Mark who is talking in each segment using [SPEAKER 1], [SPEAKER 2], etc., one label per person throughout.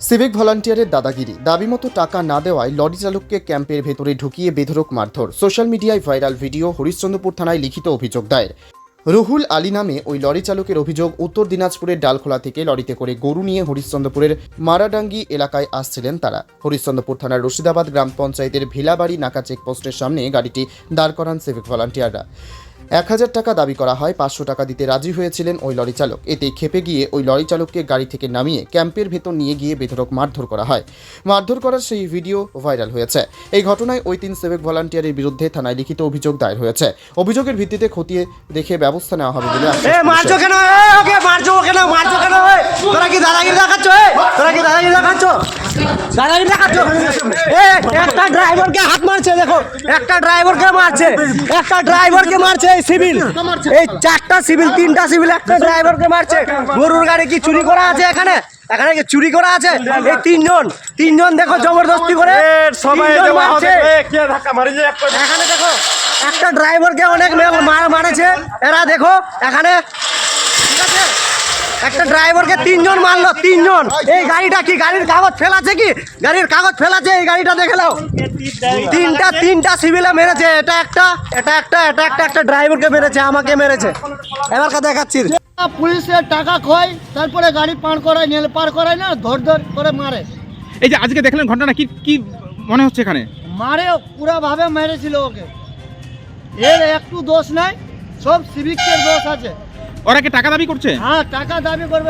[SPEAKER 1] Civic ভলান্টিয়ারের দাদাগিরি, দাবিমতো টাকা না দেওয়ায় লরি চালককে ক্যাম্পের ভেতরে ঢুকিয়ে বেধড়ক মারধর। সোশ্যাল মিডিয়ায় ভাইরাল ভিডিও। হরিশ্চন্দ্রপুর থানায় লিখিত অভিযোগ দায়ের। রুহুল আলী নামে ওই লরি চালকের অভিযোগ, উত্তর দিনাজপুরের ডালখোলা থেকে লরিতে করে গরু নিয়ে হরিশ্চন্দ্রপুরের মারাডাঙ্গি এলাকায় আসছিলেন তারা। হরিশ্চন্দ্রপুর থানার রশিদাবাদ গ্রাম পঞ্চায়েতের ভিলাবাড়ি নাকা চেকপোস্টের সামনে গাড়িটি দাঁড় করান সিভিক ভলান্টিয়াররা। 1000 টাকা দাবি করা হয়, 500 টাকা দিতে রাজি হয়েছিলেন ওই লরি চালক। এতে ক্ষেপে গিয়ে ওই লরি চালককে গাড়ি থেকে নামিয়ে ক্যাম্পের ভেতর নিয়ে গিয়ে বেধড়ক মারধর করা হয়। মারধর করার সেই ভিডিও ভাইরাল হয়েছে। এই ঘটনায় ওই 3 সিভিক ভলান্টিয়ারের বিরুদ্ধে থানায় লিখিত অভিযোগ দায়ের হয়েছে। অভিযোগের ভিত্তিতে খতিয়ে দেখে ব্যবস্থা নেওয়া হবে বলে আশ্বাস দিয়েছে।
[SPEAKER 2] মারছো কেন? ওকে মারছো কেন? মারছো কেন? তোরা কি দাদাগিরি দেখাচ্ছ? তোরা কি দাদাগিরি দেখাচ্ছ? দাদাগিরি দেখাচ্ছ? একটা ড্রাইভারকে হাত মারছে, দেখো একটা ড্রাইভারকে মারছে, একটা ড্রাইভারকে মারছে। এই সিভিল, এই 4টা সিভিল, 3টা সিভিল একটা ড্রাইভারকে মারছে। গরুর গাড়ি কি চুরি করা আছে এখানে? এখানে কি চুরি করা আছে? এই তিনজন দেখো জবরদস্তি করে সবাই মারছে। এখানে দেখো একটা ড্রাইভারকে অনেক মারেছে এরা, দেখো এখানে ঠিক আছে, একটা ড্রাইভারকে 3 জন মারলো, 3 জন। এই গাড়িটা কি গাড়ির কাগজ ফেলাছে? কি গাড়ির কাগজ ফেলাছে? এই গাড়িটা দেখে নাও। তিনটা সিভিলে মেরেছে। একটা ড্রাইভারকে মেরেছে, আমাকে মেরেছে। এবার দেখাচ্ছি।
[SPEAKER 3] পুলিশের টাকা খয়, তারপরে গাড়ি পার করায় না, ধর করে মারে।
[SPEAKER 4] এই যে আজকে দেখলেন ঘটনা, কি কি মনে হচ্ছে এখানে?
[SPEAKER 3] মারে পুরো ভাবে মেরেছিল ওকে। এর একটু দোষ নাই, সব সিভিকের দোষ আছে।
[SPEAKER 4] ওরা কি টাকা দাবি করছে?
[SPEAKER 3] হ্যাঁ, টাকা দাবি করবে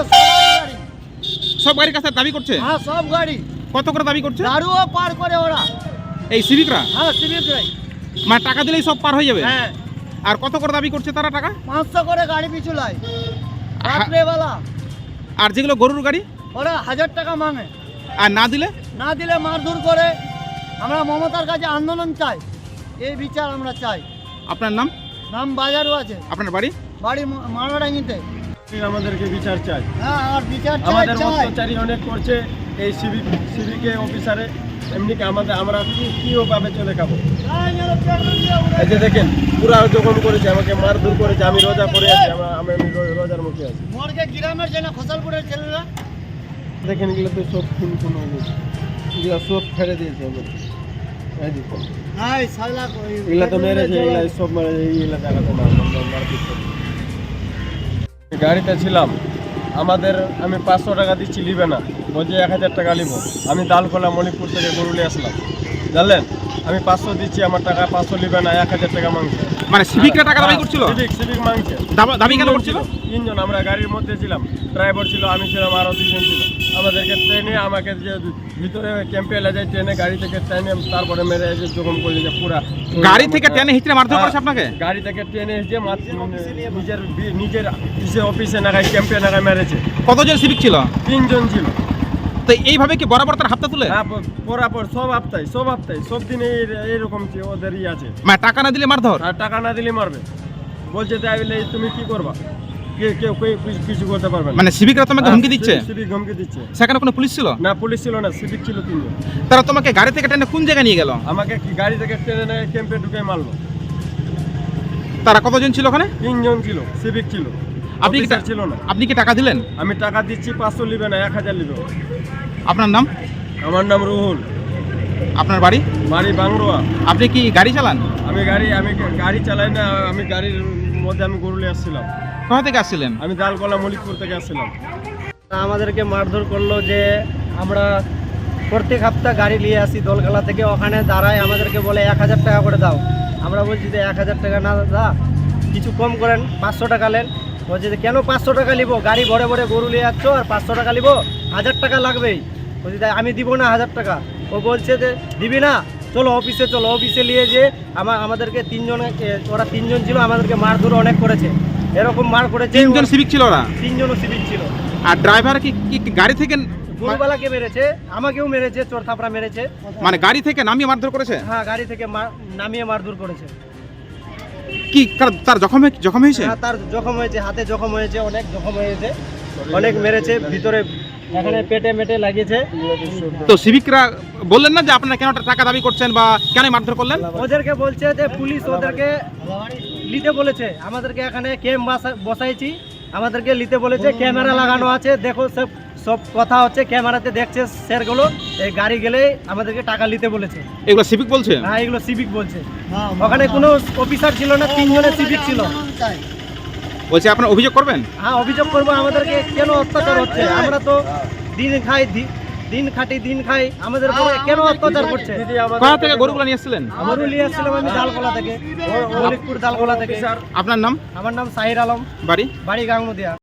[SPEAKER 4] সব গাড়ির কাছে দাবি করছে?
[SPEAKER 3] হ্যাঁ, সব গাড়ি।
[SPEAKER 4] কত করে দাবি করছে?
[SPEAKER 3] দারুও পার করে ওরা।
[SPEAKER 4] এই সিভিকরা?
[SPEAKER 3] হ্যাঁ, সিভিকরাই।
[SPEAKER 4] মানে টাকা দিলেই সব পার হয়ে যাবে?
[SPEAKER 3] হ্যাঁ।
[SPEAKER 4] আর কত করে দাবি করছে তারা টাকা?
[SPEAKER 3] 500 করে গাড়ি পিছু লাই রাত্রেবেলা।
[SPEAKER 4] আর যেগুলো গরুর গাড়ি
[SPEAKER 3] ওরা 1000 টাকা মাঙে।
[SPEAKER 4] আর না দিলে
[SPEAKER 3] মারধর করে। আমরা মমতার কাছে আন্দোলন চাই, এই বিচার আমরা চাই।
[SPEAKER 4] আপনার নাম?
[SPEAKER 3] নাম বাজারও আছে।
[SPEAKER 4] আপনার বাড়ি?
[SPEAKER 3] বাড়ি মারাডাঙ্গিতে।
[SPEAKER 5] আমাদেরকে বিচার চাই।
[SPEAKER 3] হ্যাঁ, আর বিচার
[SPEAKER 5] আমাদের
[SPEAKER 3] চাই।
[SPEAKER 5] অত্যাচারী অনেক করছে এই সিভিকে অফিসারে। এমনি কি আমরা কিভাবে চলে খাবো? এই যে দেখেন পুরা জখম করেছে, আমাকে মারধর করেছে। আমি রোজা করে আছি, আমি রোজার মুখে আছি।
[SPEAKER 3] মর্গে গ্রামের যে না খোসালপুরের ছেলেরা
[SPEAKER 5] দেখেন এগুলো তো সব খুন হয়ে গেছে, এগুলো সব ফেলে দিয়েছে আমাদের। এই দেখুন এগুলো তো মেরেছে, এগুলো সব মেরেছে। এইগুলো দেখাতে না মারপিট করে। গাড়িতে ছিলাম, আমি 500 টাকা দিচ্ছি, নিবে না, বলছে 1000 টাকা নিব। আমি দালকোলা মণিপুর থেকে গরুলে আসলাম, জানলেন। আমি 500 দিচ্ছি, আমার টাকা 500 নিবে না, 1000 টাকা মাংছে।
[SPEAKER 4] মানে সিভিকরা টাকা দাবি করছিল?
[SPEAKER 5] সিভিক মাংছে।
[SPEAKER 4] দাবি কেন করছিল?
[SPEAKER 5] 3 জন আমরা গাড়ির মধ্যে ছিলাম, ড্রাইভার ছিল, আমি ছিলাম, আরও 2 জন ছিল। আমাদেরকে ট্রেনে, আমাকে যে ভিতরে ক্যাম্পে এলে যায় ট্রেনে, গাড়ি থেকে ট্রেনে, তারপরে মেরে এসে জখম করে যে পুরা
[SPEAKER 4] গাড়ি থেকে ট্রেনে হিচড়ে মারধর করেছে আপনাকে?
[SPEAKER 5] গাড়ি থেকে ট্রেনে এসে নিজের অফিসে নাগায়, ক্যাম্পে নাগায় মেরেছে।
[SPEAKER 4] কতজন সিভিক ছিল?
[SPEAKER 5] 3 জন ছিল।
[SPEAKER 4] তো এইভাবে কি বরাবর তার হাতটা তুলে?
[SPEAKER 5] হ্যাঁ, বরাবর সব হপ্তায় সব দিনে এইরকম ওদেরই আছে।
[SPEAKER 4] মানে টাকা না দিলে মারধর?
[SPEAKER 5] আর টাকা না দিলে মারবে, বলছে তাই বলে তুমি কি করবা? কেউ কিছু করতে পারবে না।
[SPEAKER 4] মানে সিভিকরা তোমাকে হুমকি দিচ্ছে?
[SPEAKER 5] সিভিক হুমকি দিচ্ছে।
[SPEAKER 4] সেখানে কোনো পুলিশ ছিল
[SPEAKER 5] না? পুলিশ ছিল না, সিভিক ছিল 3 জন।
[SPEAKER 4] তারা তোমাকে গাড়ি থেকে টেনে কোন জায়গায় নিয়ে গেল?
[SPEAKER 5] আমাকে কি গাড়ি থেকে ট্রেনে ক্যাম্পে ঢুকে মারলো।
[SPEAKER 4] তারা কতজন ছিল ওখানে?
[SPEAKER 5] 3 জন ছিল, সিভিক ছিল,
[SPEAKER 4] আপনি কি
[SPEAKER 5] ছিল না।
[SPEAKER 4] আপনি কি টাকা দিলেন?
[SPEAKER 5] আমি টাকা দিচ্ছি, 500 নিবে না, 1000 নিবে।
[SPEAKER 4] আপনার নাম?
[SPEAKER 5] আমার নাম রুহুল।
[SPEAKER 4] আপনার বাড়ি?
[SPEAKER 5] বাড়ি বাংরোয়া।
[SPEAKER 4] আপনি কি গাড়ি চালান?
[SPEAKER 5] আমি গাড়ি চালাই না, আমি গাড়ির মধ্যে আমি গরুলে আসছিলাম।
[SPEAKER 4] কোথা থেকে আসছিলেন?
[SPEAKER 5] আমি দালকোলা মলিকপুর থেকে আসছিলাম।
[SPEAKER 2] আমাদেরকে মারধর করলো যে আমরা প্রত্যেক সপ্তাহ গাড়ি নিয়ে আসি দোলখালা থেকে, ওখানে দাঁড়ায় আমাদেরকে বলে 1000 টাকা করে দাও। আমরা বলছি যে 1000 টাকা না দাদা, কিছু কম করেন, 500 টাকা নেন। বলছে যে কেন 500 টাকা নিব? গাড়ি ভরে ভরে গরু নিয়ে যাচ্ছ আর 500 টাকা নিব? 1000 টাকা লাগবেই। বলছি তাই আমি দিব না 1000 টাকা। ও বলছে যে দিবি না, চলো অফিসে চলো। অফিসে নিয়ে যে আমাদেরকে 3 জন, ওরা 3 জন ছিল, আমাদেরকে মারধর অনেক করেছে। এরকম মার করেছে।
[SPEAKER 4] 3 জন সিভিক ছিল ওরা?
[SPEAKER 2] 3 জনও সিভিক ছিল।
[SPEAKER 4] আর ড্রাইভার কি গাড়ি থেকে?
[SPEAKER 2] গরুবালাকে মেরেছে, আমাকেও মেরেছে, চোর থাপড়া মেরেছে।
[SPEAKER 4] মানে গাড়ি থেকে নামিয়ে মারধর করেছে?
[SPEAKER 2] হ্যাঁ, গাড়ি থেকে নামিয়ে মারধর করেছে।
[SPEAKER 4] কি তার জখম হয়েছে?
[SPEAKER 2] হ্যাঁ, তার জখম হয়েছে, হাতে জখম হয়েছে, অনেক জখম হয়েছে, অনেক মেরেছে ভিতরে, এখানে পেটে মেটে লাগিয়েছে।
[SPEAKER 4] তো সিভিকরা বললেন না যে আপনারা কেন টাকা দাবি করছেন বা কেন মারধর করলেন?
[SPEAKER 2] ওদেরকে বলছে যে পুলিশ ওদেরকে নিতে বলেছে, আমাদেরকে এখানে ক্যাম্প বসাইছি, আমাদেরকে নিতে বলেছে, ক্যামেরা লাগানো আছে, দেখো সব সব কথা হচ্ছে, ক্যামেরাতে দেখছে স্যারগুলো, এই গাড়ি গেলে আমাদেরকে টাকা নিতে বলেছে।
[SPEAKER 4] এগুলো সিভিক বলছে?
[SPEAKER 2] হ্যাঁ, এগুলো সিভিক বলছে। ওখানে কোনো অফিসার ছিল না, 3 জনের সিভিক ছিল।
[SPEAKER 4] বলছে আপনারা অভিযোগ করবেন?
[SPEAKER 2] হ্যাঁ, অভিযোগ করবো, আমাদেরকে কেন অত্যাচার হচ্ছে? আমরা তো দিন খাই, দিন খাটি, দিন খাই, আমাদের উপরে কেন অত্যাচার করছে?
[SPEAKER 4] কোথা থেকে গরুগুলো নিয়ে এসেছিলেন?
[SPEAKER 2] আমারও নিয়ে আসছিলাম আমি ডালকোলা থেকে, মলিকপুর ডালকোলা থেকে।
[SPEAKER 4] আপনার নাম?
[SPEAKER 2] আমার নাম সাহির আলম,
[SPEAKER 4] বাড়ি?
[SPEAKER 2] বাড়ি গাঙ্গুদিয়া।